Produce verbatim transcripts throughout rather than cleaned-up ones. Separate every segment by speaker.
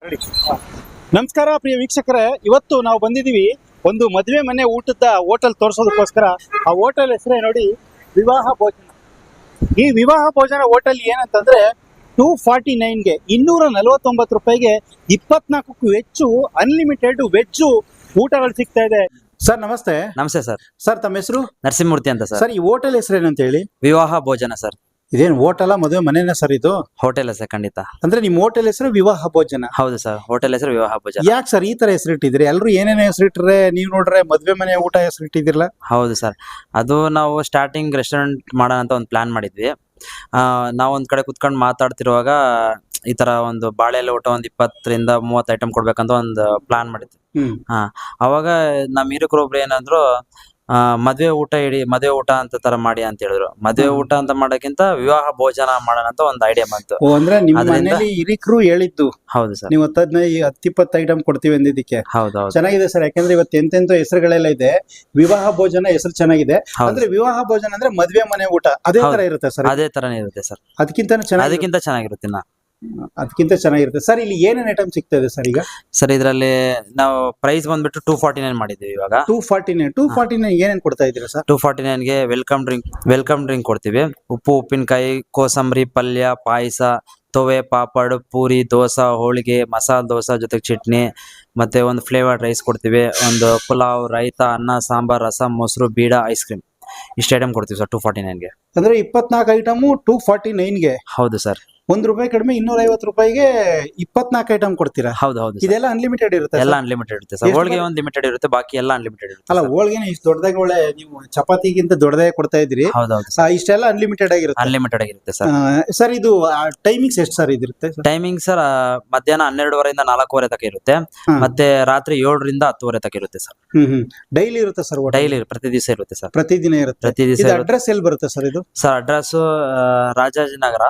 Speaker 1: ನಮಸ್ಕಾರ ಪ್ರಿಯ ವೀಕ್ಷಕರೇ, ಇವತ್ತು ನಾವು ಬಂದಿದ್ದೀವಿ ಒಂದು ಮದುವೆ ಮನೆ ಊಟದ ಹೋಟೆಲ್ ತೋರಿಸೋದಕ್ಕೋಸ್ಕರ. ಆ ಹೋಟೆಲ್ ಹೆಸರೇ ನೋಡಿ, ವಿವಾಹ ಭೋಜನ. ಈ ವಿವಾಹ ಭೋಜನ ಹೋಟೆಲ್ ಏನಂತಂದ್ರೆ ಟೂ ಫಾರ್ಟಿ ನೈನ್ಗೆ ಇನ್ನೂರ ನಲವತ್ತೊಂಬತ್ತು ರೂಪಾಯಿಗೆ ಇಪ್ಪತ್ನಾಲ್ಕಕ್ಕೂ ಹೆಚ್ಚು ಅನ್ಲಿಮಿಟೆಡ್ ವೆಜ್ಜು ಊಟಗಳು ಸಿಗ್ತಾ ಇದೆ. ಸರ್ ನಮಸ್ತೆ.
Speaker 2: ನಮಸ್ತೆ ಸರ್.
Speaker 1: ಸರ್ ತಮ್ಮ ಹೆಸರು?
Speaker 2: ನರಸಿಂಹಮೂರ್ತಿ ಅಂತ ಸರ್.
Speaker 1: ಸರ್ ಈ ಹೋಟೆಲ್ ಹೆಸರು ಏನಂತ ಹೇಳಿ?
Speaker 2: ವಿವಾಹ ಭೋಜನ ಸರ್.
Speaker 1: ಇದೇನು ಹೋಟೆಲ್ ಮದುವೆ ಮನೆನ ಸರ್ ಇದು?
Speaker 2: ಹೋಟೆಲ್ ಸರ್, ಖಂಡಿತ.
Speaker 1: ಅಂದ್ರೆ ನಿಮ್ ಹೋಟೆಲ್ ಹೆಸರು ವಿವಾಹ ಭೋಜನ?
Speaker 2: ಹೌದು ಸರ್, ಹೋಟೆಲ್ ಹೆಸರು ವಿವಾಹ ಭೋಜನ.
Speaker 1: ಯಾಕೆ ಸರ್ ಈ ತರ ಹೆಸರಿಟ್ಟಿದ್ರಿ? ಎಲ್ರು ಏನೇನು ಹೆಸರಿಟ್ರೆ, ನೀವ್ ನೋಡ್ರೆ ಮದ್ವೆ ಮನೆ ಊಟ ಹೆಸರಿಟ್ಟಿದಿರಲ್ಲ?
Speaker 2: ಹೌದು ಸರ್, ಅದು ನಾವು ಸ್ಟಾರ್ಟಿಂಗ್ ರೆಸ್ಟೋರೆಂಟ್ ಮಾಡೋಣ ಅಂತ ಒಂದು ಪ್ಲಾನ್ ಮಾಡಿದ್ವಿ. ಆ ನಾವ್ ಒಂದ್ ಕಡೆ ಕುತ್ಕೊಂಡು ಮಾತಾಡ್ತಿರುವಾಗ ಈ ತರ ಒಂದು ಬಾಳೆ ಎಲೆ ಊಟ ಒಂದ್ ಇಪ್ಪತ್ತರಿಂದ ಮೂವತ್ತು ಐಟಮ್ ಕೊಡ್ಬೇಕಂತ ಒಂದು ಪ್ಲಾನ್ ಮಾಡಿದ್ವಿ. ಹಾ, ಅವಾಗ ನಮ್ ಹಿರಿಕರು ಒಬ್ರು ಏನಂದ್ರು, ಆ ಮದ್ವೆ ಊಟ ಇಡಿ, ಮದ್ವೆ ಊಟ ಅಂತ ತರ ಮಾಡಿ ಅಂತ ಹೇಳಿದ್ರು. ಮದ್ವೆ ಊಟ ಅಂತ ಮಾಡೋಕ್ಕಿಂತ ವಿವಾಹ ಭೋಜನ ಮಾಡೋಣ ಅಂತ ಒಂದು ಐಡಿಯಾ ಬಂತು.
Speaker 1: ಓ, ಅಂದ್ರೆ ನಿಮ್ಮ ಮನೆಯಲ್ಲಿ ಹಿರಿಕರು ಹೇಳಿದ್ದು?
Speaker 2: ಹೌದು ಸರ್.
Speaker 1: ನೀವು ಹತ್ತದೈದು ಹತ್ತಿಪ್ಪತ್ತು ಐಟಮ್ ಕೊಡ್ತೀವಿ ಅಂದಿದ್ದಕ್ಕೆ
Speaker 2: ಹೌದು ಹೌದು
Speaker 1: ಚೆನ್ನಾಗಿದೆ ಸರ್. ಯಾಕಂದ್ರೆ ಇವತ್ತು ಎಂತೆಂತ ಹೆಸರುಗಳೆಲ್ಲ ಇದೆ. ವಿವಾಹ ಭೋಜನ ಹೆಸರು ಚೆನ್ನಾಗಿದೆ. ಅಂದ್ರೆ ವಿವಾಹ ಭೋಜನ ಅಂದ್ರೆ ಮದ್ವೆ ಮನೆ ಊಟ ಅದೇ ತರ ಇರುತ್ತೆ ಸರ್?
Speaker 2: ಅದೇ ತರನೇ ಇರುತ್ತೆ ಸರ್.
Speaker 1: ಅದಕ್ಕಿಂತ ಚೆನ್ನಾಗಿ
Speaker 2: ಅದಕ್ಕಿಂತ ಚೆನ್ನಾಗಿರುತ್ತೆ. ನಾ
Speaker 1: ಅದಕ್ಕಿಂತ ಚೆನ್ನಾಗಿರುತ್ತೆ ಸರ್. ಇಲ್ಲಿ ಏನೇನ್ ಐಟಮ್ ಸಿಗ್ತಾ ಇದೆ ಸರ್ ಈಗ?
Speaker 2: ಸರ್ ಇದ್ರಲ್ಲಿ ನಾವು ಪ್ರೈಸ್ ಬಂದ್ಬಿಟ್ಟು ಟೂ ಫಾರ್ಟಿ ನೈನ್ ಮಾಡಿದ್ವಿ ಇವಾಗ.
Speaker 1: Two forty nine two forty nine ಏನೇನ್ ಕೊಡ್ತಾ ಇದ್ದೀರಾ ಸರ್?
Speaker 2: ಟೂ ಫಾರ್ಟಿ ನೈನ್ಗೆ ವೆಲ್ಕಮ್ ಡ್ರಿಂಕ್ ವೆಲ್ಕಮ್ ಡ್ರಿಂಕ್ ಕೊಡ್ತೀವಿ. ಉಪ್ಪು ಉಪ್ಪಿನಕಾಯಿ, ಕೋಸಂಬರಿ, ಪಲ್ಯ, ಪಾಯಸ, ತೊವೆ, ಪಾಪಡ್, ಪೂರಿ, ದೋಸೆ, ಹೋಳಿಗೆ, ಮಸಾಲೆ ದೋಸೆ ಜೊತೆಗೆ ಚಟ್ನಿ, ಮತ್ತೆ ಒಂದು ಫ್ಲೇವರ್ಡ್ ರೈಸ್ ಕೊಡ್ತೀವಿ. ಒಂದು ಪುಲಾವ್, ರೈತ, ಅನ್ನ, ಸಾಂಬಾರ್, ರಸಂ, ಮೊಸರು, ಬೀಡ, ಐಸ್ ಕ್ರೀಮ್, ಇಷ್ಟು ಐಟಮ್ ಕೊಡ್ತೀವಿ ಸರ್ ಟೂ ಫಾರ್ಟಿ ನೈನ್ಗೆ.
Speaker 1: ಅಂದ್ರೆ ಇಪ್ಪತ್ನಾಲ್ಕು ಐಟಮು ಟೂ ಫಾರ್ಟಿ ನೈನ್ಗೆ?
Speaker 2: ಹೌದು ಸರ್.
Speaker 1: ಒಂದ್ ರೂಪಾಯಿ ಕಡಿಮೆ ಇನ್ನೂರ ಐವತ್ತು ರೂಪಾಯಿಗೆ ಇಪ್ಪತ್ನಾಲ್ಕು ಐಟಮ್ ಕೊಡ್ತೀರಾ?
Speaker 2: ಹೌದು ಹೌದು.
Speaker 1: ಇದೆಲ್ಲ ಅನ್ಲಿಮಿಟೆಡ್ ಇರುತ್ತೆ?
Speaker 2: ಎಲ್ಲ ಅನ್ಲಿಮಿಟೆಡ್ ಇರುತ್ತೆ ಸರ್. ಹೋಳಿಗೆ ಒಂದು ಲಿಮಿಟೆಡ್ ಇರುತ್ತೆ, ಬಾಕಿ ಎಲ್ಲ ಅನ್ಲಿಮಿಟೆಡ್ ಇರುತ್ತೆ.
Speaker 1: ಅಲ್ಲ, ಹೋಳಿಗೆನ ಇಷ್ಟು ದೊಡ್ಡದಾಗಿ ಒಳ್ಳೆ ನೀವು ಚಪಾತಿಗಿಂತ ದೊಡ್ಡದಾಗಿ ಕೊಡ್ತಾ ಇದ್ರಿ.
Speaker 2: ಹೌದೌದು.
Speaker 1: ಇಷ್ಟೆಲ್ಲ ಅನ್ಲಿಮಿಟೆಡ್ ಆಗಿರುತ್ತೆ?
Speaker 2: ಅನ್ಲಿಮಿಟೆಡ್ ಆಗಿರುತ್ತೆ ಸರ್.
Speaker 1: ಸರ್ ಇದು ಟೈಮಿಂಗ್ಸ್ ಎಷ್ಟು ಸರ್ ಇದಿರುತ್ತೆ?
Speaker 2: ಟೈಮಿಂಗ್ ಸರ್ ಮಧ್ಯಾಹ್ನ ಹನ್ನೆರಡುವರೆಯಿಂದ ನಾಲ್ಕೂವರೆ ತನಕ ಇರುತ್ತೆ. ಮತ್ತೆ ರಾತ್ರಿ ಏಳರಿಂದ ಹತ್ತುವರೆ ತನಕ ಇರುತ್ತೆ ಸರ್.
Speaker 1: ಹ್ಮ್ ಹ್ಮ್ ಡೈಲಿ ಇರುತ್ತೆ ಸರ್?
Speaker 2: ಡೈಲಿ ಪ್ರತಿ ದಿವಸ ಇರುತ್ತೆ ಸರ್.
Speaker 1: ಪ್ರತಿದಿನ ಇರುತ್ತೆ?
Speaker 2: ಪ್ರತಿ ದಿವಸ.
Speaker 1: ಅಡ್ರೆಸ್ ಎಲ್ಲಿ ಬರುತ್ತೆ ಸರ್ ಇದು?
Speaker 2: ಸರ್ ಅಡ್ರೆಸ್ ರಾಜಾಜಿನಗರ,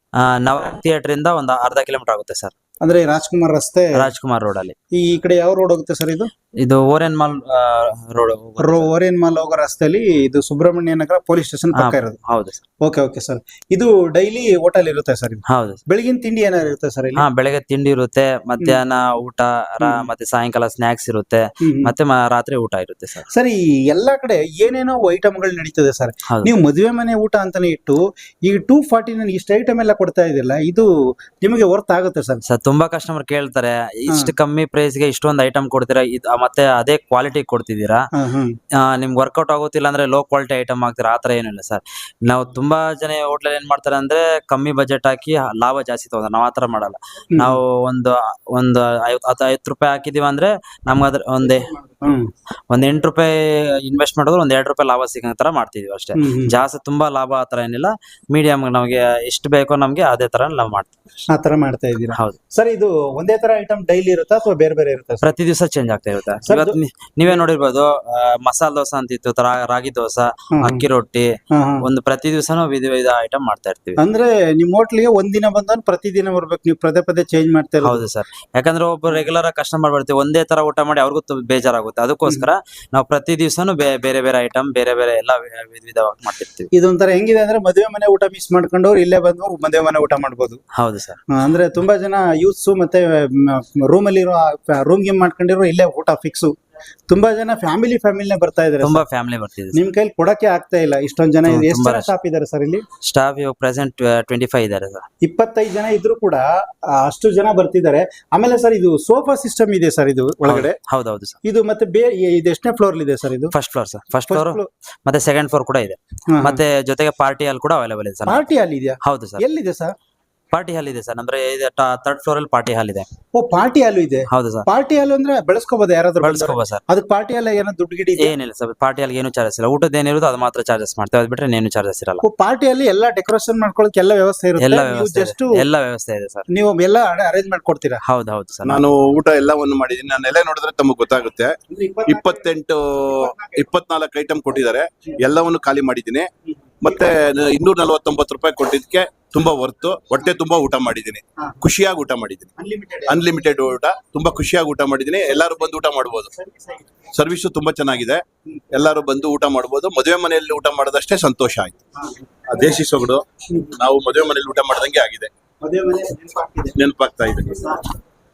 Speaker 2: ನವ ಥಿಯೇಟರ್ ಇಂದ ಒಂದು ಅರ್ಧ ಕಿಲೋಮೀಟರ್ ಆಗುತ್ತೆ ಸರ್.
Speaker 1: ಅಂದ್ರೆ ರಾಜ್ಕುಮಾರ್ ರಸ್ತೆ,
Speaker 2: ರಾಜ್ಕುಮಾರ್ ರೋಡ್ ಅಲ್ಲಿ.
Speaker 1: ಈ ಕಡೆ ಯಾವ ರೋಡ್ ಹೋಗುತ್ತೆ ಸರ್ ಇದು?
Speaker 2: ಇದು Orion mall road.
Speaker 1: Orion mall ಹೋಗೋ ರಸ್ತೆಯಲ್ಲಿ ಇದು ಸುಬ್ರಹ್ಮಣ್ಯ ನಗರ ಪೊಲೀಸ್ ಸ್ಟೇಷನ್ ಪಕ್ಕ ಇರೋದು?
Speaker 2: ಹೌದು ಸರ್.
Speaker 1: Okay okay sir. ಇದು ಡೈಲಿ ಹೋಟೆಲ್ ಇರುತ್ತೆ ಸರ್?
Speaker 2: ಹೌದು.
Speaker 1: ಬೆಳಗಿನ ತಿಂಡಿ ಏನಾದ್ರು ಇರುತ್ತೆ ಸರ್ ಇಲ್ಲಿ?
Speaker 2: ಹಾ, ಬೆಳಗ್ಗೆ ತಿಂಡಿ ಇರುತ್ತೆ, ಮಧ್ಯಾಹ್ನ ಊಟ, ಮತ್ತೆ ಸಾಯಂಕಾಲ ಸ್ನಾಕ್ಸ್ ಇರುತ್ತೆ, ಮತ್ತೆ ರಾತ್ರಿ ಊಟ ಇರುತ್ತೆ ಸರ್.
Speaker 1: ಸರ್ ಈ ಎಲ್ಲಾ ಕಡೆ ಏನೇನೋ ಐಟಮ್ಗಳು ನಡೀತದೆ ಸರ್. ನೀವು ಮದುವೆ ಮನೆ ಊಟ ಅಂತಾನೆ ಇಟ್ಟು ಈಗ ಟೂ ಫಾರ್ಟಿ ನೈನ್ ಇಷ್ಟು ಐಟಮ್ ಎಲ್ಲ ಕೊಡ್ತಾ ಇದಿಲ್ಲ, ಇದು ನಿಮಗೆ ವರ್ತ್ ಆಗುತ್ತೆ ಸರ್?
Speaker 2: ಸರ್ ತುಂಬಾ ಕಸ್ಟಮರ್ ಕೇಳ್ತಾರೆ, ಇಷ್ಟು ಕಮ್ಮಿ ಪ್ರೈಸ್ ಗೆ ಇಷ್ಟೊಂದು ಐಟಮ್ ಕೊಡ್ತೀರಾ, ಮತ್ತೆ ಅದೇ ಕ್ವಾಲಿಟಿ ಕೊಡ್ತಿದ್ದೀರಾ, ನಿಮ್ಗೆ ವರ್ಕೌಟ್ ಆಗುತ್ತಿಲ್ಲ ಅಂದ್ರೆ ಲೋ ಕ್ವಾಲಿಟಿ ಐಟಮ್ ಹಾಕ್ತೀರಾ, ಆತರ ಏನಿಲ್ಲ ಸರ್. ನಾವು ತುಂಬಾ ಜನ ಹೋಟ್ಲಲ್ಲಿ ಏನ್ ಮಾಡ್ತಾರೆ ಅಂದ್ರೆ ಕಮ್ಮಿ ಬಜೆಟ್ ಹಾಕಿ ಲಾಭ ಜಾಸ್ತಿ ತಗೋತಾರೆ. ನಾವ್ ಆತರ ಮಾಡಲ್ಲ. ನಾವು ಒಂದು ಒಂದು ಐವತ್ತು ಐವತ್ತು ರೂಪಾಯಿ ಹಾಕಿದೀವಿ ಅಂದ್ರೆ ನಮ್ಗೆ ಅದ್ರ ಒಂದೇ ಒಂದ್ ಎಂಟು ರೂಪಾಯಿ ಇನ್ವೆಸ್ಟ್ ಮಾಡಿದ್ರೆ ಒಂದ್ ಎರಡು ರೂಪಾಯಿ ಲಾಭ ಸಿಗೋ ತರ ಮಾಡ್ತಿದೀವಿ ಅಷ್ಟೇ. ಜಾಸ್ತಿ ತುಂಬಾ ಲಾಭ ಆತರ ಏನಿಲ್ಲ. ಮೀಡಿಯಂ ನಮ್ಗೆ ಎಷ್ಟು ಬೇಕೋ ನಮ್ಗೆ ಅದೇ ತರ ನಾವು ಮಾಡ್ತೀವಿ.
Speaker 1: ಆ ತರ ಮಾಡ್ತಾ ಇದ್ದೀರಾ?
Speaker 2: ಹೌದು
Speaker 1: ಸರ್. ಇದು ಒಂದೇ ತರ ಐಟಮ್ ಡೈಲಿ ಇರುತ್ತಾ ಅಥವಾ ಬೇರೆ ಬೇರೆ ಇರುತ್ತೆ?
Speaker 2: ಪ್ರತಿ ದಿವಸ ಚೇಂಜ್ ಆಗ್ತಾ ಇರುತ್ತೆ. ಇವತ್ತು ನೀವೇ ನೋಡಿರ್ಬೋದು, ಮಸಾಲೆ ದೋಸೆ ಅಂತ ಇತ್ತು, ರಾಗಿ ದೋಸೆ, ಅಕ್ಕಿ ರೊಟ್ಟಿ, ಒಂದು ಪ್ರತಿ ದಿವಸನೂ ವಿಧ ವಿಧ ಐಟಮ್ ಮಾಡ್ತಾ ಇರ್ತೀವಿ.
Speaker 1: ಅಂದ್ರೆ ನಿಮ್ ಹೋಟ್ಲಿಗೆ ಒಂದಿನ ಬಂದವನು ಪ್ರತಿದಿನ ಬರ್ಬೇಕು, ನೀವು ಪದೇ ಪದೇ ಚೇಂಜ್ ಮಾಡ್ತಾ ಇರೋದು?
Speaker 2: ಹೌದು ಸರ್. ಯಾಕಂದ್ರೆ ಒಬ್ಬ ರೆಗ್ಯುಲರ್ ಕಸ್ಟಮರ್ ಬರ್ತೀವಿ, ಒಂದೇ ತರ ಊಟ ಮಾಡಿ ಅವ್ರಿಗೂ ಬೇಜಾರಾಗುತ್ತೆ. ಅದಕ್ಕೋಸ್ಕರ ನಾವು ಪ್ರತಿ ದಿವಸನೂ ಬೇರೆ ಬೇರೆ ಐಟಮ್, ಬೇರೆ ಬೇರೆ ಎಲ್ಲ ವಿಧ ವಿಧವಾಗಿ ಮಾಡ್ತಿರ್ತೀವಿ.
Speaker 1: ಇದೊಂಥರ ಹೆಂಗಿದೆ ಅಂದ್ರೆ ಮದುವೆ ಮನೆ ಊಟ ಮಿಸ್ ಮಾಡ್ಕೊಂಡವ್ರು ಇಲ್ಲೇ ಬಂದು ಮದುವೆ ಮನೆ ಊಟ ಮಾಡ್ಬೋದು.
Speaker 2: ಹೌದು ಸರ್.
Speaker 1: ಅಂದ್ರೆ ತುಂಬಾ ಜನ ಯೂತ್ಸ್ ಮತ್ತೆ ರೂಮ್ ಅಲ್ಲಿ ಇರೋ ರೂಮ್ ಗೇಮ್ ಮಾಡ್ಕೊಂಡಿರೋ ಇಲ್ಲೇ ಊಟ ಫಿಕ್ಸ್. ತುಂಬಾ ಜನ ಫ್ಯಾಮಿಲಿ ಫ್ಯಾಮಿಲಿನೇ ಬರ್ತಾ ಇದಾರೆ.
Speaker 2: ತುಂಬಾ ಫ್ಯಾಮಿಲಿ ಬರ್ತಿದೆ.
Speaker 1: ನಿಮ್ ಕೈಲಿ ಕೊಡಕ್ಕೆ ಆಗ್ತಾ ಇಲ್ಲ ಇಷ್ಟೊಂದ್ ಜನ. ಎಷ್ಟು ಜನ ಸ್ಟಾಫ್ ಇದಾರೆ ಸರ್ ಇಲ್ಲಿ?
Speaker 2: ಸ್ಟಾಫ್ ಇವಾಗ ಪ್ರೆಸೆಂಟ್ ಟ್ವೆಂಟಿ ಫೈವ್ ಇದಾರೆ ಸರ್.
Speaker 1: ಇಪ್ಪತ್ತೈದು ಜನ ಇದ್ರು ಕೂಡ ಅಷ್ಟು ಜನ ಬರ್ತಿದ್ದಾರೆ. ಆಮೇಲೆ ಸರ್ ಇದು ಸೋಫಾ ಸಿಸ್ಟಮ್ ಇದೆ ಸರ್ ಇದು ಒಳಗಡೆ?
Speaker 2: ಹೌದೌದು ಸರ್.
Speaker 1: ಇದು ಮತ್ತೆ ಇದು ಎಷ್ಟನೇ ಫ್ಲೋರ್ ಇದೆ ಸರ್ ಇದು?
Speaker 2: First floor sir. First floor ಮತ್ತೆ ಸೆಕೆಂಡ್ ಫ್ಲೋರ್ ಕೂಡ ಇದೆ. ಮತ್ತೆ ಜೊತೆಗೆ ಪಾರ್ಟಿ ಹಾಲ್ ಕೂಡ ಅವೈಲೇಬಲ್ ಇದೆ ಸರ್.
Speaker 1: ಪಾರ್ಟಿ ಹಾಲ್ ಇದೆಯಾ?
Speaker 2: ಹೌದು ಸರ್.
Speaker 1: ಎಲ್ಲಿದೆ ಸರ್?
Speaker 2: ಪಾರ್ಟಿ ಹಾಲ್ ಇದೆ ಸರ್. ಅಂದ್ರೆ ಥರ್ಡ್ ಫ್ಲೋರ್ ಅಲ್ಲಿ ಪಾರ್ಟಿ ಹಾಲ್ ಇದೆ.
Speaker 1: ಓ, ಪಾರ್ಟಿ ಹಾಲ್ ಇದೆ?
Speaker 2: ಹೌದು ಸರ್.
Speaker 1: ಪಾರ್ಟಿ ಹಾಲ್ ಅಂದ್ರೆ ಬೆಳೆಸ್ಕೋಬಹುದು ಯಾರಾದ್ರೂ?
Speaker 2: ಬೆಳೆಸ್ಕೋಬಹುದು ಸರ್.
Speaker 1: ಅದಕ್ಕೆ ಪಾರ್ಟಿ ಹಾಲ್ ಏನೋ ದುಡ್ಡು ಗಿಡಿ
Speaker 2: ಏನಿಲ್ಲ ಸರ್. ಪಾರ್ಟಿ ಹಾಲ್ ಏನು ಚಾರ್ಜಸ್ ಇಲ್ಲ. ಊಟದ ಏನಿರೋದು ಅದು ಮಾತ್ರ ಚಾರ್ಜಸ್ ಮಾಡ್ತೇವೆ, ಅದು ಬಿಟ್ರೆ ಏನು ಚಾರ್ಜಸ್ ಇರಲ್ಲ.
Speaker 1: ಪಾರ್ಟಿ ಅಲ್ಲಿ ಎಲ್ಲ ಡೆಕೋರೇಷನ್ ಮಾಡ್ಕೊಳ್ಳೋಕೆ ಎಲ್ಲ ವ್ಯವಸ್ಥೆ ಇರುತ್ತೆ?
Speaker 2: ಎಲ್ಲ ವ್ಯವಸ್ಥೆ ಎಲ್ಲ ವ್ಯವಸ್ಥೆ ಇದೆ ಸರ್.
Speaker 1: ನೀವು ಎಲ್ಲ ಅರೇಂಜ್ ಮಾಡ್ಕೊಡ್ತೀರಾ?
Speaker 2: ಹೌದು ಹೌದು ಸರ್.
Speaker 3: ನಾನು ಊಟ ಎಲ್ಲವನ್ನು ಮಾಡಿದೀನಿ. ನಾನು ಎಲ್ಲ ನೋಡಿದ್ರೆ ತಮಗೆ ಗೊತ್ತಾಗುತ್ತೆ. ಇಪ್ಪತ್ತೆಂಟು ಇಪ್ಪತ್ನಾಲ್ಕು ಐಟಮ್ ಕೊಟ್ಟಿದ್ದಾರೆ, ಎಲ್ಲವನ್ನು ಖಾಲಿ ಮಾಡಿದ್ದೀನಿ. ಮತ್ತೆ ಇನ್ನೂರ ನಲವತ್ತೊಂಬತ್ತು ರೂಪಾಯಿ ಕೊಟ್ಟಿದ್ದಕ್ಕೆ ತುಂಬಾ ವರ್ತು. ಹೊಟ್ಟೆ ತುಂಬಾ ಊಟ ಮಾಡಿದ್ದೀನಿ, ಖುಷಿಯಾಗಿ ಊಟ ಮಾಡಿದ್ದೀನಿ. ಅನ್ಲಿಮಿಟೆಡ್ ಊಟ, ತುಂಬಾ ಖುಷಿಯಾಗಿ ಊಟ ಮಾಡಿದ್ದೀನಿ. ಎಲ್ಲರೂ ಬಂದು ಊಟ ಮಾಡ್ಬೋದು. ಸರ್ವಿಸು ತುಂಬಾ ಚೆನ್ನಾಗಿದೆ, ಎಲ್ಲರೂ ಬಂದು ಊಟ ಮಾಡ್ಬೋದು. ಮದುವೆ ಮನೆಯಲ್ಲಿ ಊಟ ಮಾಡೋದಷ್ಟೇ ಸಂತೋಷ ಆಯ್ತು. ದೇಶಿ ಸೊಗಡು, ನಾವು ಮದುವೆ ಮನೆಯಲ್ಲಿ ಊಟ ಮಾಡ್ದಂಗೆ ಆಗಿದೆ, ನೆನಪಾಗ್ತಾ ಇದೆ.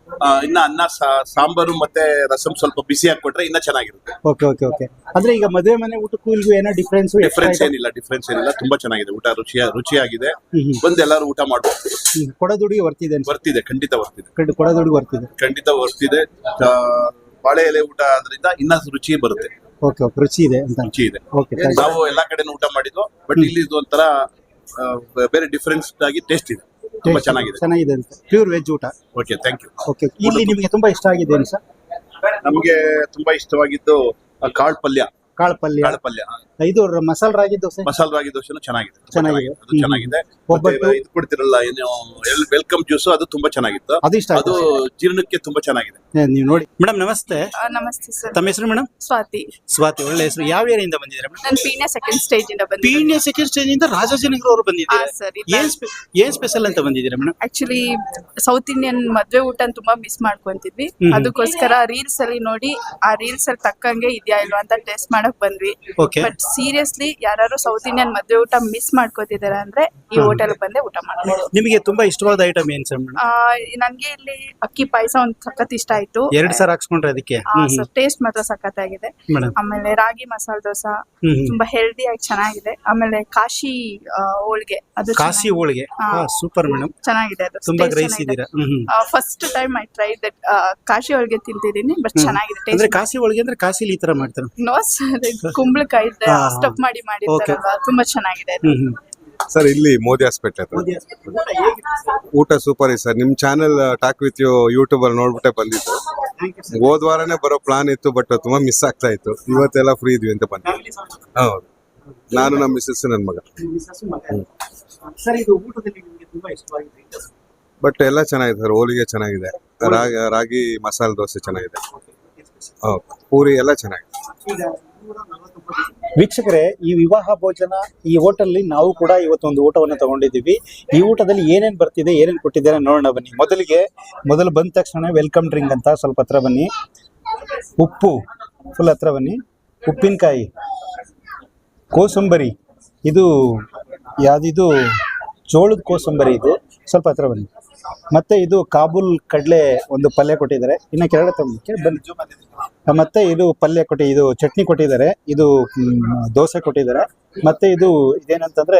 Speaker 3: ಆ, ಇನ್ನ ಅನ್ನ ಸಾ- ಸಾಂಬಾರು ಮತ್ತೆ ರಸಂ ಸ್ವಲ್ಪ ಬಿಸಿಯಾಗಿ ಕೊಟ್ರೆ ಇನ್ನ ಚೆನ್ನಾಗಿರುತ್ತೆ.
Speaker 1: ಓಕೆ ಓಕೆ ಓಕೆ ಅಂದ್ರೆ ಈಗ ಮದುವೆ ಮನೆ ಊಟಕ್ಕೂ ಇಲ್ಗೂ ಏನೋ ಡಿಫ್ರೆನ್ಸ್
Speaker 3: ಡಿಫ್ರೆನ್ಸ್ ಏನಿಲ್ಲ ಡಿಫ್ರೆನ್ಸ್ ಏನಿಲ್ಲ ತುಂಬಾ ಚೆನ್ನಾಗಿದೆ ಊಟ, ರುಚಿಯ ರುಚಿಯಾಗಿದೆ. ಬಂದು ಎಲ್ಲರೂ ಊಟ ಮಾಡ್ಬೋದು.
Speaker 1: ಕೊಡದುಡಿಗೆ ವರ್ತಿದೆ ಅನ್ಸುತ್ತೆ.
Speaker 3: ಬರ್ತಿದೆ, ಖಂಡಿತ ಬರ್ತಿದೆ,
Speaker 1: ಕಡ್- ಕೊಡದುಡಿಗೆ ವರ್ತಿದೆ.
Speaker 3: ಖಂಡಿತ ಬರ್ತಿದೆ. ಆ, ಬಾಳೆ ಎಲೆ ಊಟ ಆದ್ರಿಂದ ಇನ್ನ ರುಚಿ ಬರುತ್ತೆ,
Speaker 1: ಓಕೆ ಓಕೆ ರುಚಿ ಇದೆ ಅಂತ.
Speaker 3: ರುಚಿ ಇದೆ.
Speaker 1: ಓಕೆ
Speaker 3: ನಾವು ಎಲ್ಲಾ ಕಡೆನೂ ಊಟ ಮಾಡಿದ್ವು, ಬಟ್ ಇಲ್ಲಿ ಇದು ಒಂಥರ ಆ, ಬೇರೆ ಡಿಫ್ರೆನ್ಸ್ ಆಗಿ ಟೇಸ್ಟ್ ಇದೆ, ತುಂಬಾ ಚೆನ್ನಾಗಿದೆ.
Speaker 1: ಚೆನ್ನಾಗಿದೆ ಅಂತ. ಪ್ಯೂರ್ ವೆಜ್ ಊಟ.
Speaker 3: Okay, thank you.
Speaker 1: ಓಕೆ ಇಲ್ಲಿ ನಿಮಗೆ ತುಂಬಾ ಇಷ್ಟ ಆಗಿದೆ ಏನು ಸರ್?
Speaker 3: ನಮ್ಗೆ ತುಂಬಾ ಇಷ್ಟವಾಗಿದ್ದು ಆ, ಕಾಳು ಪಲ್ಯ.
Speaker 1: ಕಾಳು ಪಲ್ಯ,
Speaker 3: ಕಾಳು ಪಲ್ಯ,
Speaker 1: ಇದು ಮಸಾಲ ರಾಗಿ ದೋಸೆ
Speaker 3: ಮಸಾಲ ರಾಗಿ ದೋಸೆನೂ ಚೆನ್ನಾಗಿದೆ, ತುಂಬಾ
Speaker 1: ಚೆನ್ನಾಗಿದೆ.
Speaker 3: ಚೆನ್ನಾಗಿದೆ, ಅದು ಚೆನ್ನಾಗಿದೆ.
Speaker 1: ಒಬ್ಬಟ್ಟು.
Speaker 3: ಮತ್ತೆ ಇದು ಕೊಡ್ತಿರಲ್ಲ ಏನು ವೆಲ್ಕಮ್ ಜ್ಯೂಸ್, ಅದು ತುಂಬಾ ಚೆನ್ನಾಗಿತ್ತು.
Speaker 1: ಅದು ಇಷ್ಟ
Speaker 3: ಅದು
Speaker 1: ಆಯ್ತು.
Speaker 3: ಜೀರ್ಣಕ್ಕೆ ತುಂಬಾ ಚೆನ್ನಾಗಿದೆ.
Speaker 1: ಏ, ನೀವು ನೋಡಿ ಮೇಡಮ್ ನಮಸ್ತೆ.
Speaker 4: ಆ, ನಮಸ್ತೆ ಸರ್.
Speaker 1: ತಮ್ಮ ಹೆಸರು ಮೇಡಮ್?
Speaker 4: ಸ್ವಾತಿ.
Speaker 1: ಸ್ವಾತಿ, ಒಳ್ಳೆ ಹೆಸರು. ಯಾವ ಏರಿಯಿಂದ ಬಂದಿದ್ದೀರಾ ಮೇಡಮ್?
Speaker 4: ನಾನು ಪೀಣ್ಯ ಸೆಕೆಂಡ್ ಸ್ಟೇಜ್ ಇಂದ ಬಂದಿದ್ದೀನಿ.
Speaker 1: ಪೀಣ್ಯ ಸೆಕೆಂಡ್ ಸ್ಟೇಜ್ ಇಂದ ರಾಜಾಜಿನಗರ ಅವರು
Speaker 4: ಆ,
Speaker 1: ಬಂದಿದ್ದೀರಾ?
Speaker 4: ಸರ್
Speaker 1: ಏನ್ ಸ್ಪೆ- ಏನ್ ಸ್ಪೆಷಲ್ ಅಂತ ಬಂದಿದ್ದೀರಾ ಮೇಡಮ್?
Speaker 4: ಆಕ್ಚುಲಿ ಸೌತ್ ಇಂಡಿಯನ್ ಮದ್ವೆ ಊಟ ತುಂಬಾ ಮಿಸ್ ಮಾಡ್ಕೊಂತಿದ್ವಿ.
Speaker 1: ಹ್ಮ್.
Speaker 4: ಅದಕ್ಕೋಸ್ಕರ ರೀಲ್ಸ್ ಅಲ್ಲಿ ನೋಡಿ ಆ ರೀಲ್ಸ್ ಅಲ್ಲಿ ತಕ್ಕಂಗೆ ಇದೆಯಾ ಇಲ್ವಾ ಅಂತ ಟೆಸ್ಟ್ ಮಾಡಕ್ ಬಂದ್ವಿ.
Speaker 1: ಓಕೆ.
Speaker 4: ಬಟ್ ಸೀರಿಯಸ್ಲಿ ಯಾರು ಸೌತ್ ಇಂಡಿಯನ್ ಮದ್ವೆ ಊಟ ಮಿಸ್ ಮಾಡ್ಕೋತಿದಾರೆ ಅಂದ್ರೆ ಈ
Speaker 1: ಹ್ಮ್.
Speaker 4: ಹೋಟೆಲ್ ಬಂದೆ ಊಟ ಮಾಡ್ಬೋದು.
Speaker 1: ನಿಮಗೆ ತುಂಬಾ ಇಷ್ಟವಾದ ಐಟಮ್ ಏನ್ ಸರ್ ಮೇಡಮ್?
Speaker 4: ಆ, ನನ್ಗೆ ಇಲ್ಲಿ ಅಕ್ಕಿ ಪಾಯಸ ಒಂದ್ ಸಖತ್ ಇಷ್ಟ ಆಯ್ತು.
Speaker 1: ಎರಡ್ ಸಾವಿರ ಹಾಕ್ಸ್ಕೊಂಡ್ರೆ ಅದಕ್ಕೆ.
Speaker 4: ಟೇಸ್ಟ್ ಮಾತ್ರ ಸಖತ್ತಾಗಿದೆ.
Speaker 1: ಮೇಡಮ್.
Speaker 4: ಆಮೇಲೆ ರಾಗಿ ಮಸಾಲ ದೋಸೆ
Speaker 1: ಹ್ಮ್ ಹ್ಮ್.
Speaker 4: ತುಂಬಾ ಹೆಲ್ದಿ ಆಗಿ ಚೆನ್ನಾಗಿದೆ. ಆಮೇಲೆ ಕಾಶಿ ಆ, ಹೋಳ್ಗೆ ಅದು
Speaker 1: ಕಾಶಿ ಹೋಳಿಗೆ
Speaker 4: ಹಾ.
Speaker 1: ಸೂಪರ್ ಮೇಡಮ್,
Speaker 4: ಚೆನ್ನಾಗಿದೆ. ಅದು
Speaker 1: ತುಂಬಾ ಗ್ರಹಿಸಿದ್ದೀರಾ. ಹ್ಮ್ ಹ್ಮ್.
Speaker 4: First time I try that Kashi ಹೋಳ್ಗೆ ತಿಂತಿದ್ದೀನಿ, ಬಟ್
Speaker 1: ಹ್ಮ್.
Speaker 4: ಚೆನ್ನಾಗಿದೆ
Speaker 1: ಅಂದ್ರೆ
Speaker 4: ಟೇಸ್ಟ್.
Speaker 1: ಕಾಶಿ ಹೋಳಿಗೆ ಅಂದ್ರೆ ಕಾಶಿಲಿ ಈ ತರ ಮಾಡ್ತಾರೆ.
Speaker 4: ನೋ ಸರ್, ಕುಂಬಳಕಾಯಿ
Speaker 1: ಹಾ, ಹಾ.
Speaker 4: ಸ್ಟಫ್ ಮಾಡಿ ಮಾಡಿರ್ತಾರಲ್ವಾ, ತುಂಬಾ ಚೆನ್ನಾಗಿದೆ ಅದು.
Speaker 1: ಹ್ಮ್ ಹ್ಮ್.
Speaker 5: ಸರ್ ಇಲ್ಲಿ ಮೋದಿ ಹಾಸ್ಪಿಟ್ಲ್ ಹತ್ರ ಊಟ ಸೂಪರ್ ಇದೆ ಸರ್. ನಿಮ್ channel talk with you YouTube ಅಲ್ಲಿ ನೋಡ್ಬಿಟ್ಟೆ ಬಂದಿತ್ತು. ಹೋದ್ ವಾರನೇ ಬರೋ ಪ್ಲಾನ್ ಇತ್ತು, ಬಟ್ ತುಂಬಾ ಮಿಸ್ ಆಗ್ತಾ ಇತ್ತು. ಇವತ್ತೆಲ್ಲ ಫ್ರೀ ಇದ್ವಿ ಅಂತ ಬಂದೆ. ಹೌದು, ನಾನು ನಮ್ಮ ಮಿಸ್ಸಸ್ ನನ್ನ ಮಗ.
Speaker 1: ಸರ್ ಇದು ಊಟದಲ್ಲಿ ನಿಮಗೆ ತುಂಬಾ ಇಷ್ಟವಾಗಿದೆ?
Speaker 5: ಬಟ್ ಎಲ್ಲ ಚೆನ್ನಾಗಿದೆ ಸರ್. ಹೋಳಿಗೆ ಚೆನ್ನಾಗಿದೆ, ರಾಗಿ ರಾಗಿ ಮಸಾಲೆ ದೋಸೆ ಚೆನ್ನಾಗಿದೆ, ಹೌದು, ಪೂರಿ ಎಲ್ಲ ಚೆನ್ನಾಗಿದೆ.
Speaker 1: ವೀಕ್ಷಕರೇ, ಈ ವಿವಾಹ ಭೋಜನ ಈ ಹೋಟೆಲ್ ನಾವು ಕೂಡ ಇವತ್ತೊಂದು ಊಟವನ್ನು ತಗೊಂಡಿದ್ದೀವಿ. ಈ ಊಟದಲ್ಲಿ ಏನೇನ್ ಬರ್ತಿದೆ, ಏನೇನ್ ಕೊಟ್ಟಿದ್ದಾರೆ ನೋಡೋಣ ಬನ್ನಿ. ಮೊದಲಿಗೆ ಮೊದಲು ಬಂದ ತಕ್ಷಣ ವೆಲ್ಕಮ್ ಡ್ರಿಂಕ್ ಅಂತ ಸ್ವಲ್ಪ ಹತ್ರ ಬನ್ನಿ. ಉಪ್ಪು ಫುಲ್ ಹತ್ರ ಬನ್ನಿ. ಉಪ್ಪಿನಕಾಯಿ, ಕೋಸಂಬರಿ, ಇದು ಯಾವ್ದಿದು ಜೋಳದ ಕೋಸಂಬರಿ, ಇದು ಸ್ವಲ್ಪ ಹತ್ರ ಬನ್ನಿ. ಮತ್ತೆ ಇದು ಕಾಬೂಲ್ ಕಡಲೆ ಒಂದು ಪಲ್ಯ ಕೊಟ್ಟಿದ್ದಾರೆ. ಇನ್ನು ಕೆಳಗಡೆ ತಗೊಂಡು ಬನ್ನಿ. ಮತ್ತೆ ಇದು ಪಲ್ಯ ಕೊಟ್ಟಿ, ಇದು ಚಟ್ನಿ ಕೊಟ್ಟಿದ್ದಾರೆ. ಇದು ಮ್, ದೋಸೆ ಕೊಟ್ಟಿದ್ದಾರೆ. ಮತ್ತೆ ಇದು ಇದೇನಂತಂದ್ರೆ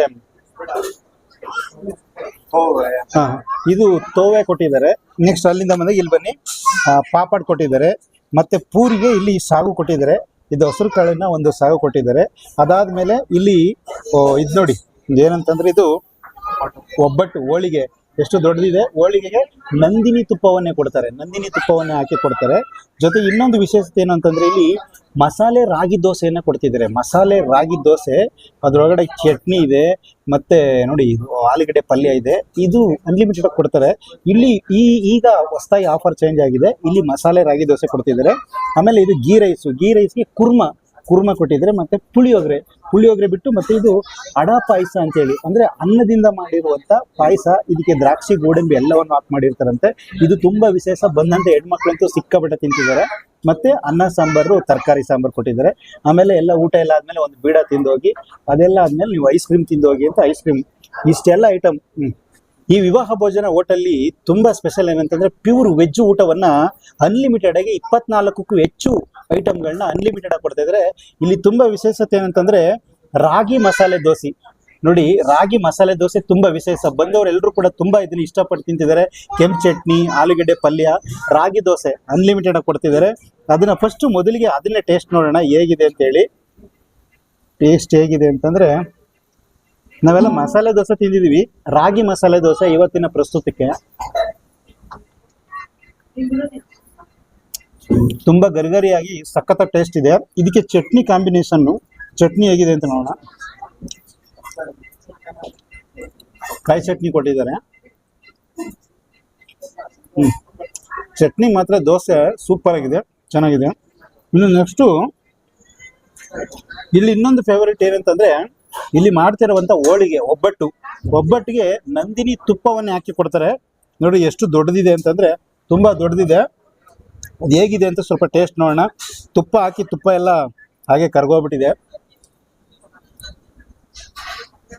Speaker 1: ಹಾ ಇದು ತೋವೆ ಕೊಟ್ಟಿದ್ದಾರೆ. ನೆಕ್ಸ್ಟ್ ಅಲ್ಲಿಂದ ಬಂದಾಗ ಇಲ್ಲಿ ಬನ್ನಿ, ಆ, ಪಾಪಡ್ ಕೊಟ್ಟಿದ್ದಾರೆ. ಮತ್ತೆ ಪೂರಿಗೆ ಇಲ್ಲಿ ಸಾಗು ಕೊಟ್ಟಿದ್ದಾರೆ. ಇದು ಹಸಿರು ಕಾಳಿನ ಒಂದು ಸಾಗು ಕೊಟ್ಟಿದ್ದಾರೆ. ಅದಾದ್ಮೇಲೆ ಇಲ್ಲಿ ಓ, ಇದು ನೋಡಿ ಏನಂತಂದ್ರೆ ಇದು ಒಬ್ಬಟ್ಟು, ಹೋಳಿಗೆ ಎಷ್ಟು ದೊಡ್ಡದಿದೆ. ಹೋಳಿಗೆಗೆ ನಂದಿನಿ ತುಪ್ಪವನ್ನೇ ಕೊಡ್ತಾರೆ, ನಂದಿನಿ ತುಪ್ಪವನ್ನೇ ಹಾಕಿ ಕೊಡ್ತಾರೆ. ಜೊತೆ ಇನ್ನೊಂದು ವಿಶೇಷತೆ ಏನು ಅಂತಂದ್ರೆ ಇಲ್ಲಿ ಮಸಾಲೆ ರಾಗಿ ದೋಸೆಯನ್ನ ಕೊಡ್ತಿದ್ದಾರೆ. ಮಸಾಲೆ ರಾಗಿ ದೋಸೆ, ಅದರೊಳಗಡೆ ಚಟ್ನಿ ಇದೆ, ಮತ್ತೆ ನೋಡಿ ಇದು ಆಲೂಗಡ್ಡೆ ಪಲ್ಯ ಇದೆ. ಇದು ಅನ್ಲಿಮಿಟೆಡ್ ಕೊಡ್ತಾರೆ. ಇಲ್ಲಿ ಈ ಈಗ ಹೊಸದಾಗಿ ಆಫರ್ ಚೇಂಜ್ ಆಗಿದೆ. ಇಲ್ಲಿ ಮಸಾಲೆ ರಾಗಿ ದೋಸೆ ಕೊಡ್ತಿದ್ದಾರೆ. ಆಮೇಲೆ ಇದು ಗೀ ರೈಸು, ಗೀ ರೈಸ್ಗೆ ಕುರ್ಮಾ ಕುರ್ಮಾ ಕೊಟ್ಟಿದ್ದಾರೆ. ಮತ್ತೆ ಪುಳಿಯೋಗರೆ, ಪುಳಿಯೋಗರೆ ಬಿಟ್ಟು ಮತ್ತೆ ಇದು ಅಡ ಪಾಯಸ ಅಂತೇಳಿ, ಅಂದ್ರೆ ಅನ್ನದಿಂದ ಮಾಡಿರುವಂತ ಪಾಯಸ. ಇದಕ್ಕೆ ದ್ರಾಕ್ಷಿ, ಗೋಡಂಬಿ ಎಲ್ಲವನ್ನು ಹಾಕಿ ಮಾಡಿರ್ತಾರಂತೆ. ಇದು ತುಂಬಾ ವಿಶೇಷ. ಬಂದಂತ ಹೆಣ್ಮಕ್ಳಂತೂ ಸಿಕ್ಕಾಪಟ್ಟೆ ತಿಂತಿದ್ದಾರೆ. ಮತ್ತೆ ಅನ್ನ ಸಾಂಬಾರು, ತರಕಾರಿ ಸಾಂಬಾರು ಕೊಟ್ಟಿದ್ದಾರೆ. ಆಮೇಲೆ ಎಲ್ಲ ಊಟ ಎಲ್ಲ ಆದ್ಮೇಲೆ ಒಂದು ಬೀಡ ತಿಂದೋಗಿ, ಅದೆಲ್ಲ ಆದ್ಮೇಲೆ ನೀವು ಐಸ್ ಕ್ರೀಮ್ ತಿಂದೋಗಿ ಅಂತ ಐಸ್ ಕ್ರೀಮ್, ಇಷ್ಟೆಲ್ಲ ಐಟಮ್. ಹ್ಮ್ ಈ ವಿವಾಹ ಭೋಜನ ಹೋಟೆಲ್ಲಿ ತುಂಬಾ ಸ್ಪೆಷಲ್ ಏನಂತಂದ್ರೆ ಪ್ಯೂರ್ ವೆಜ್ ಊಟವನ್ನ ಅನ್ಲಿಮಿಟೆಡ್ ಆಗಿ ಇಪ್ಪತ್ನಾಲ್ಕಕ್ಕೂ ಹೆಚ್ಚು ಐಟಮ್ಗಳನ್ನ ಅನ್ಲಿಮಿಟೆಡ್ ಆಗಿ ಕೊಡ್ತಾ ಇದ್ದಾರೆ. ಇಲ್ಲಿ ತುಂಬಾ ವಿಶೇಷತೆ ಏನಂತಂದ್ರೆ ರಾಗಿ ಮಸಾಲೆ ದೋಸೆ. ನೋಡಿ, ರಾಗಿ ಮಸಾಲೆ ದೋಸೆ ತುಂಬಾ ವಿಶೇಷ. ಬಂದವರೆಲ್ಲರೂ ಕೂಡ ತುಂಬಾ ಇದನ್ನ ಇಷ್ಟಪಟ್ಟು ತಿಂತಿದ್ದಾರೆ. ಕೆಂಪು ಚಟ್ನಿ, ಆಲೂಗಡ್ಡೆ ಪಲ್ಯ, ರಾಗಿ ದೋಸೆ ಅನ್ಲಿಮಿಟೆಡ್ ಆಗಿ ಕೊಡ್ತಿದ್ದಾರೆ. ಅದನ್ನ ಫಸ್ಟ್ ಮೊದಲಿಗೆ ಅದನ್ನೇ ಟೇಸ್ಟ್ ನೋಡೋಣ ಹೇಗಿದೆ ಅಂತ ಹೇಳಿ. ಟೇಸ್ಟ್ ಹೇಗಿದೆ ಅಂತಂದ್ರೆ, ನಾವೆಲ್ಲ ಮಸಾಲೆ ದೋಸೆ ತಿಂದಿದೀವಿ, ರಾಗಿ ಮಸಾಲೆ ದೋಸೆ ಇವತ್ತಿನ ಪ್ರಸ್ತುತಕ್ಕೆ ತುಂಬಾ ಗರಿಗರಿಯಾಗಿ ಸಖತ್ ಟೇಸ್ಟ್ ಇದೆ. ಇದಕ್ಕೆ ಚಟ್ನಿ ಕಾಂಬಿನೇಷನ್, ಚಟ್ನಿ ಹೇಗಿದೆ ಅಂತ ನೋಡೋಣ. ಕಾಯಿ ಚಟ್ನಿ ಕೊಟ್ಟಿದ್ದಾರೆ. ಹ್ಮ್ ಚಟ್ನಿ ಮಾತ್ರ ದೋಸೆ ಸೂಪರ್ ಆಗಿದೆ, ಚೆನ್ನಾಗಿದೆ. ಇನ್ನು ನೆಕ್ಸ್ಟು ಇಲ್ಲಿ ಇನ್ನೊಂದು ಫೇವರೇಟ್ ಏನಂತಂದ್ರೆ, ಇಲ್ಲಿ ಮಾಡ್ತಿರುವಂತ ಹೋಳಿಗೆ, ಒಬ್ಬಟ್ಟು. ಒಬ್ಬಟ್ಟಿಗೆ ನಂದಿನಿ ತುಪ್ಪವನ್ನೇ ಹಾಕಿ ಕೊಡ್ತಾರೆ. ನೋಡಿ ಎಷ್ಟು ದೊಡ್ಡದಿದೆ ಅಂತಂದ್ರೆ ತುಂಬಾ ದೊಡ್ಡದಿದೆ. ಅದು ಹೇಗಿದೆ ಅಂತ ಸ್ವಲ್ಪ ಟೇಸ್ಟ್ ನೋಡೋಣ. ತುಪ್ಪ ಹಾಕಿ ತುಪ್ಪ ಎಲ್ಲ ಹಾಗೆ ಕರ್ಗೋಗ್ಬಿಟ್ಟಿದೆ.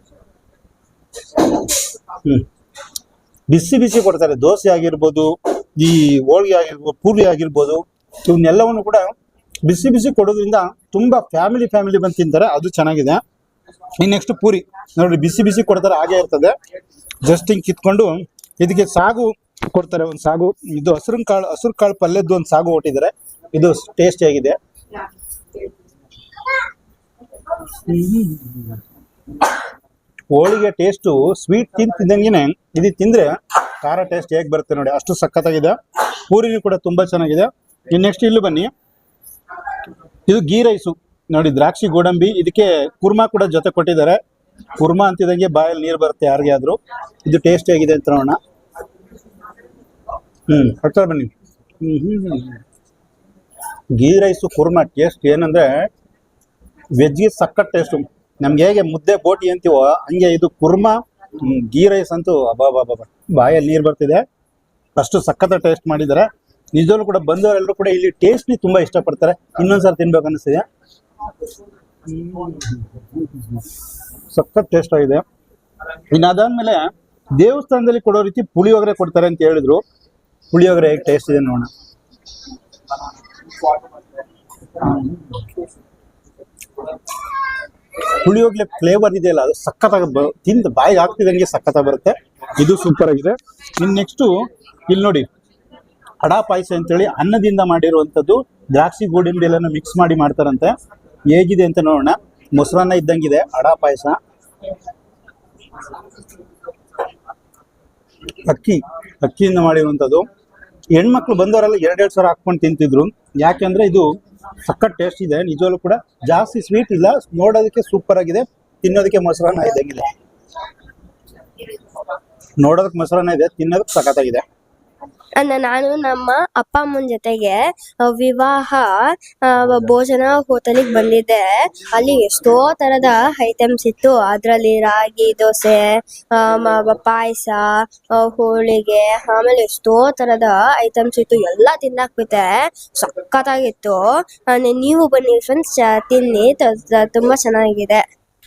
Speaker 1: ಹ್ಮ್ ಬಿಸಿ ಬಿಸಿ ಕೊಡ್ತಾರೆ. ದೋಸೆ ಆಗಿರ್ಬೋದು, ಈ ಹೋಳಿಗೆ ಆಗಿರ್ಬೋದು, ಪೂರಿ ಆಗಿರ್ಬೋದು, ಇವನ್ನೆಲ್ಲವನ್ನು ಕೂಡ ಬಿಸಿ ಬಿಸಿ ಕೊಡೋದ್ರಿಂದ ತುಂಬಾ ಫ್ಯಾಮಿಲಿ ಫ್ಯಾಮಿಲಿ ಬಂದು ತಿಂತಾರೆ. ಅದು ಚೆನ್ನಾಗಿದೆ. ಇನ್ನು ನೆಕ್ಸ್ಟ್ ಪೂರಿ ನೋಡಿ, ಬಿಸಿ ಬಿಸಿ ಕೊಡ್ತಾರೆ, ಹಾಗೆ ಇರ್ತದೆ. ಜಸ್ಟ್ ಹಿಂಗ್ ಕಿತ್ಕೊಂಡು ಇದಕ್ಕೆ ಸಾಗು ಕೊಡ್ತಾರೆ, ಒಂದು ಸಾಗು. ಇದು ಹಸಿರು ಕಾಳು ಹಸಿರು ಕಾಳು ಪಲ್ಯದ್ದು ಒಂದು ಸಾಗು ಕೊಟ್ಟಿದ್ದಾರೆ. ಇದು ಟೇಸ್ಟ್ ಆಗಿದೆ. ಹೋಳಿಗೆ ಟೇಸ್ಟು ಸ್ವೀಟ್ ತಿಂತಿದ್ದಂಗೆನೆ ಇದು ತಿಂದ್ರೆ ಖಾರ ಟೇಸ್ಟ್ ಹೇಗೆ ಬರುತ್ತೆ ನೋಡಿ, ಅಷ್ಟು ಸಖತ್ತಾಗಿದೆ. ಪೂರಿನೂ ಕೂಡ ತುಂಬಾ ಚೆನ್ನಾಗಿದೆ. ಇನ್ನು ನೆಕ್ಸ್ಟ್ ಇಲ್ಲೂ ಬನ್ನಿ, ಇದು ಗೀ ರೈಸು ನೋಡಿ, ದ್ರಾಕ್ಷಿ ಗೋಡಂಬಿ, ಇದಕ್ಕೆ ಕುರ್ಮಾ ಕೂಡ ಜೊತೆ ಕೊಟ್ಟಿದ್ದಾರೆ. ಕುರ್ಮಾ ಅಂತಿದಂಗೆ ಬಾಯಲ್ಲಿ ನೀರು ಬರುತ್ತೆ ಯಾರಿಗೆ ಆದ್ರೂ. ಇದು ಟೇಸ್ಟ್ ಹೇಗಿದೆ ಅಂತ ನೋಡೋಣ. ಹ್ಮ್ ಹತ್ರ ಬನ್ನಿ. ಹ್ಮ್ ಹ್ಮ್ ಗೀ ರೈಸು ಕುರ್ಮಾ ಟೇಸ್ಟ್ ಏನಂದ್ರೆ ವೆಜ್ಗೆ ಸಖತ್ ಟೇಸ್ಟು. ನಮ್ಗೆ ಹೇಗೆ ಮುದ್ದೆ ಬೋಟಿ ಅಂತೀವೋ ಹಂಗೆ ಇದು ಕುರ್ಮಾ ಗೀ ರೈಸ್ ಅಂತೂ ಅಬಾಬಾಬಾ, ಬಾಯಲ್ಲಿ ನೀರು ಬರ್ತಿದೆ, ಅಷ್ಟು ಸಖತ್ ಟೇಸ್ಟ್ ಮಾಡಿದ್ದಾರೆ. ನಿಜವಾಗ್ಲೂ ಕೂಡ ಬಂದವರೆಲ್ಲರೂ ಕೂಡ ಇಲ್ಲಿ ಟೇಸ್ಟ್ ನಿ ತುಂಬಾ ಇಷ್ಟಪಡ್ತಾರೆ. ಇನ್ನೊಂದ್ಸಲ ತಿನ್ಬೇಕು ಅನಿಸ್ತಿದೆ. ಸಖತ್ ಟೇಸ್ಟ್ ಆಗಿದೆ. ಇನ್ನು ಅದಾದ್ಮೇಲೆ ದೇವಸ್ಥಾನದಲ್ಲಿ ಕೊಡೋ ರೀತಿ ಪುಳಿಯೋಗರೆ ಕೊಡ್ತಾರೆ ಅಂತ ಹೇಳಿದ್ರು. ಪುಳಿಯೋಗರೆ ಹೇಗೆ ಟೇಸ್ಟ್ ಇದೆ ನೋಡೋಣ. ಪುಳಿಯೋಗರೆ ಫ್ಲೇವರ್ ಇದೆಯಲ್ಲ, ಅದು ಸಖತ್ತಾಗಿ ತಿಂದು ಬಾಯಿಗೆ ಹಾಕ್ತಿದಂಗೆ ಸಖತ್ತಾಗಿ ಬರುತ್ತೆ. ಇದು ಸೂಪರ್ ಆಗಿದೆ. ಇನ್ನು ನೆಕ್ಸ್ಟು ಇಲ್ಲಿ ನೋಡಿ, ಅಡಾ ಪಾಯಸ ಅಂತೇಳಿ ಅನ್ನದಿಂದ ಮಾಡಿರುವಂಥದ್ದು, ದ್ರಾಕ್ಷಿ ಗೋಡಂಬಿ ಎಲ್ಲ ಮಿಕ್ಸ್ ಮಾಡಿ ಮಾಡ್ತಾರಂತೆ. ಹೇಗಿದೆ ಅಂತ ನೋಡೋಣ. ಮೊಸರನ್ನ ಇದ್ದಂಗಿದೆ ಅಡಾ ಪಾಯಸ. ಅಕ್ಕಿ ಅಕ್ಕಿಯಿಂದ ಮಾಡಿರುವಂಥದ್ದು. ಹೆಣ್ಮಕ್ಳು ಬಂದವರೆಲ್ಲ ಎರಡೆರಡು ಸಾವಿರ ಹಾಕ್ಕೊಂಡು ತಿಂತಿದ್ರು. ಯಾಕೆಂದ್ರೆ ಇದು ಸಖತ್ ಟೇಸ್ಟ್ ಇದೆ. ನಿಜವಾಗ್ಲೂ ಕೂಡ ಜಾಸ್ತಿ ಸ್ವೀಟ್ ಇಲ್ಲ, ನೋಡೋದಕ್ಕೆ ಸೂಪರ್ ಆಗಿದೆ, ತಿನ್ನೋದಕ್ಕೆ ಮೊಸರನ್ನ ಇದ್ದಂಗಿದೆ. ನೋಡೋದಕ್ಕೆ ಮೊಸರನ್ನ ಇದೆ, ತಿನ್ನೋದಕ್ಕೆ ಸಖತ್ತಾಗಿದೆ.
Speaker 6: ನಾನು ನಮ್ಮ ಅಪ್ಪ ಅಮ್ಮನ ಜೊತೆಗೆ ವಿವಾಹ ಭೋಜನ ಹೋಟೆಲಿಗೆ ಬಂದಿದ್ದೆ. ಅಲ್ಲಿ ಎಷ್ಟೋ ತರದ ಐಟಮ್ಸ್ ಇತ್ತು. ಅದ್ರಲ್ಲಿ ರಾಗಿ ದೋಸೆ, ಪಾಯಸ, ಹೋಳಿಗೆ, ಆಮೇಲೆ ಎಷ್ಟೋ ತರದ ಐಟಮ್ಸ್ ಇತ್ತು. ಎಲ್ಲ ತಿನ್ನಾಕ್ಬಿಟ್ಟೆ, ಸಖತ್ತಾಗಿತ್ತು. ನೀವು ಬನ್ನಿ ಫ್ರೆಂಡ್ಸ್, ತಿನ್ನಿ, ತುಂಬಾ ಚೆನ್ನಾಗಿದೆ.